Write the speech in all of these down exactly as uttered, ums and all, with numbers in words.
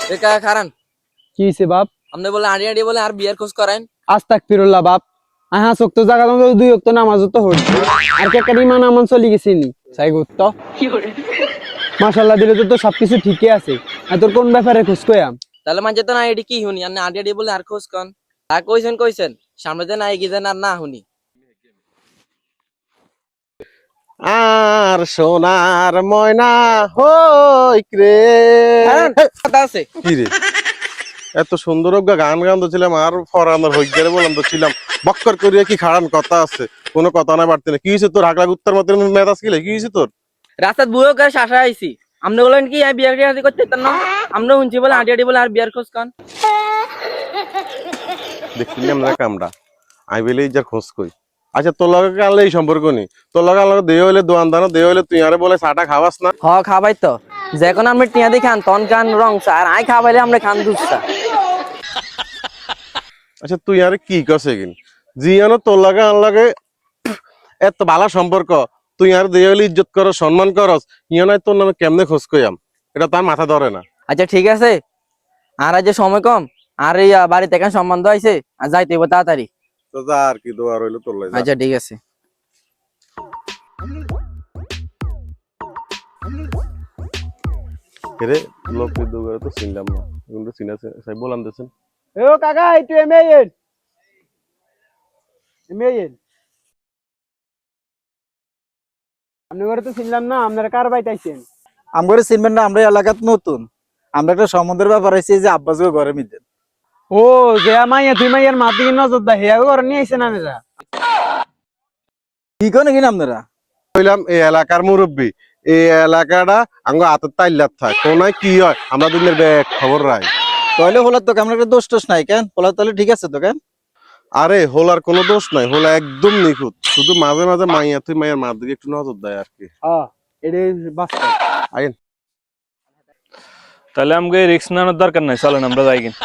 একা খারান কি হইছে বাপ? আপনি বলে আড়ি আড়ি বলে আর বিয়ার খোঁজ করেন। আস্তাগফিরুল্লাহ বাপ। আহা চোখ তো জায়গা তো দুই ওয়াক্ত নামাজ তো হই আর কে কারি মান আমন চলি গেছিনি চাই গুত্ত মাশাআল্লাহ দিলে তো তো সবকিছু ঠিকই আছে। আর তোর কোন ব্যাপারে খোঁজ কইয়াম? তাহলে মানে তো না এডি কি হুনি আপনি আড়ি আড়ি বলে আর খোঁজ কন আর কইছেন কইছেন সামনে যে নাই কি যেন আর না হুনি আর সোনার ময়না হইক রে। খারান কথা আছে কি রে এত সুন্দর গান গান তো ছিলাম আর ফরানোর হইগারে বললাম তো ছিলাম বক্কর করিয়া কি খাড়ান কথা আছে কোনো কথা না বাড়তে না কি হয়েছে তোর হাগলা গুত্তার মতো মেজাজ কিলে কি হয়েছে তোর? রাস্তাত বুয়ো করে শাসা আইছি আপনি বলেন কি আমি বিয়ার টিয়ার করতে পারতাম না আমরা শুনছি বলে আড়ি আড়ি বলে আর বিয়ার খোঁজ কন দেখছিলি আমরা কামড়া আই বেলেই যার খোঁজ কই। আচ্ছা তোর লগে আনলে এই সম্পর্ক নেই তোর লগে আনলে দেহ হইলে দোয়ান দানো দেহ হইলে তুই আরে বলে চাটা খাওয়াস না। হ খাবাই তো যখন আপনি টিয়া দিয়ে খান তখন খান রং চা আর আই খাবাইলে আমরা খান দুধ চা। আচ্ছা তুই আরে কি করছে কিন জিয়ানো তোর লাগে আন লাগে এত ভালো সম্পর্ক তুই আর দেহ হইলে ইজ্জত করস সম্মান করস ইয়ানাই তোর নামে কেমনে খোঁজ কইয়াম এটা তার মাথা ধরে না। আচ্ছা ঠিক আছে আর আজ যে সময় কম আর এই আহ, বাড়িতে এখন সম্বন্ধ আইছে আর যাইতে হইব তাড়াতাড়ি। তো যা আর কি দোয়া রইলো তোর লাগে। আচ্ছা ঠিক আছে রে লোক দুগারে তো চিনলাম না কিন্তু চিনা সাই বলান দেছেন। এ ও কাকা একটু এমএএন এমএএন আপনি ঘরে তো ছিলাম না আপনারা কার বাইতে আইছেন? আমরা চিনবেন না আমরা এলাকাত নতুন আমরা একটা সম্বন্ধের ব্যাপার হয়েছে যে আব্বাস ঘরে মিলতেন। ও যে মাইয়া তুই মাইয়ার মাতি নজর দা হেয়া ঘরে নিয়ে আইছেন আপনারা? কি করে কিনা আপনারা কইলাম এই এলাকার মুরব্বী এই এলাকাটা আঙ্গ হাতের তাইল্লাত থাক কোনায় কি হয় আমরা দুনিয়ার ব্যাগ খবর রাই। তাহলে হলার তো কেমন একটা দোষ টোষ নাই কেন হলার তাহলে ঠিক আছে তো কেন? আরে হোলার কোনো দোষ নাই হোলা একদম নিখুঁত শুধু মাঝে মাঝে মাইয়া তুই মাইয়ার মার দিকে একটু নজর দেয় আর কি। হ্যাঁ এটা বাস্তব। আইন তাহলে আমাকে রিস্ক নেওয়ার দরকার নাই চলেন আমরা যাই কিনা।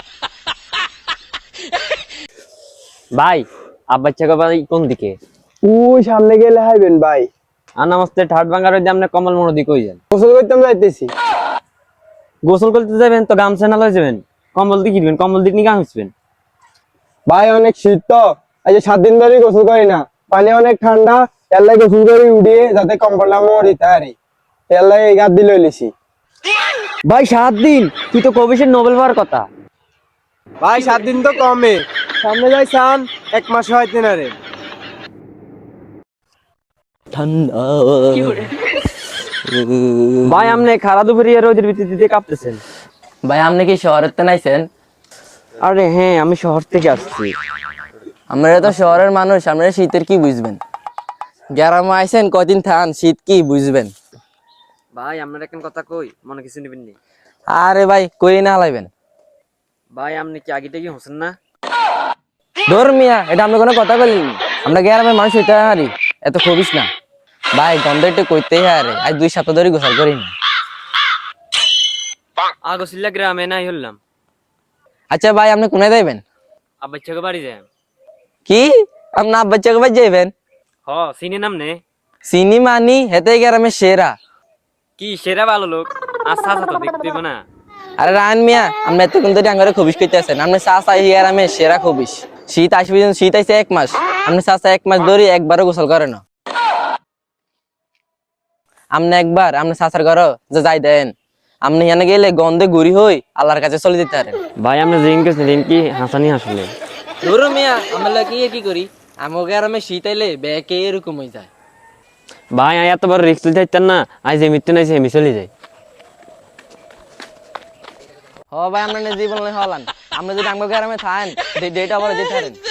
ভাই আব্বার চাকা বাড়ি কোন দিকে? ওই সামনে গেলে হাইবেন ভাই। আর নামাজতে ঠাট ভাঙার ওই যে আপনি কমল মোড় দিকে কই যান? গোসল করতে যাইতেছি। গোসল করতে যাবেন তো গামছা না লয়ে যাবেন? কম্বল দিয়ে কিনবেন কম্বল দিয়ে নিয়ে গামছবেন। ভাই অনেক শীত তো এই যে সাত দিন ধরে গোসল করি না পানি অনেক ঠান্ডা এলাই গোসল করে উঠিয়ে যাতে কম্বলটা মরিতে পারি এলাই এই গাদ দিলে লিছি। ভাই সাত দিন তুই তো কবিশের নোবেল পাওয়ার কথা। ভাই সাত দিন তো কমে সামনে যাই চান এক মাস হইতে না রে। ঠান্ডা ভাই আপনি খারা দুপুরে রোদের ভিতর দিতে কাঁপতেছেন। ভাই আপনি কি শহরের তে নাইছেন? আরে হ্যাঁ আমি শহর থেকে আসছি। আমরা তো শহরের মানুষ আপনারা শীতের কি বুঝবেন গ্রামে আইছেন কদিন থান শীত কি বুঝবেন। ভাই আপনার এখন কথা কই মনে কিছু নেবেন নি? আরে ভাই কই না লাইবেন ভাই আপনি কি আগে থেকে হোসেন না? ধর মিয়া এটা আমরা কোনো কথা বলিনি আমরা গ্রামের মানুষ হইতে হারি এত খবিস না ভাই গন্ধ একটু কইতেই হারে আজ দুই সপ্তাহ ধরে গোসল করিনি। আগসিল্লা গ্রামে নাই হলাম। আচ্ছা ভাই আপনি কোনায় যাইবেন? আব্বার চাকা বাড়ি যায়। কি আপনি আব্বার চাকে ভাই যাইবেন? হ চিনি নাম নে চিনি মানি হেতে গ্রামের সেরা। কি সেরা ভালো লোক আচ্ছা আচ্ছা তো দেখতে পাবো না। আরে রান মিয়া আপনি এতক্ষণ ধরে আঙ্গারে খবিস করতে আছেন আপনি চাষা গ্রামের সেরা খবিস। শীত আসবে শীত আইছে এক মাস আপনি চাষা এক মাস ধরে একবারও গোসল করে না। আপনি একবার আপনি চাষার ঘর যে যাই দেন আপনি এখানে গেলে গন্ধে গুড়ি হই আল্লাহর কাছে চলে যেতে পারেন। ভাই আপনি জিন গেছিলেন কি হাসানি হাসলে? ধরো মিয়া আমরা কি কি করি আমার গ্রামে শীত আইলে ব্যাকে এরকম হয়ে যায়। ভাই আয় এত বড় রিস্ক চাইতেন না আজ যে মৃত্যু নাই সে আমি চলে যাই। হ ভাই আমরা জীবন হলান আপনি যদি আমার গ্রামে থাকেন ডেটা বলে যেতে পারেন।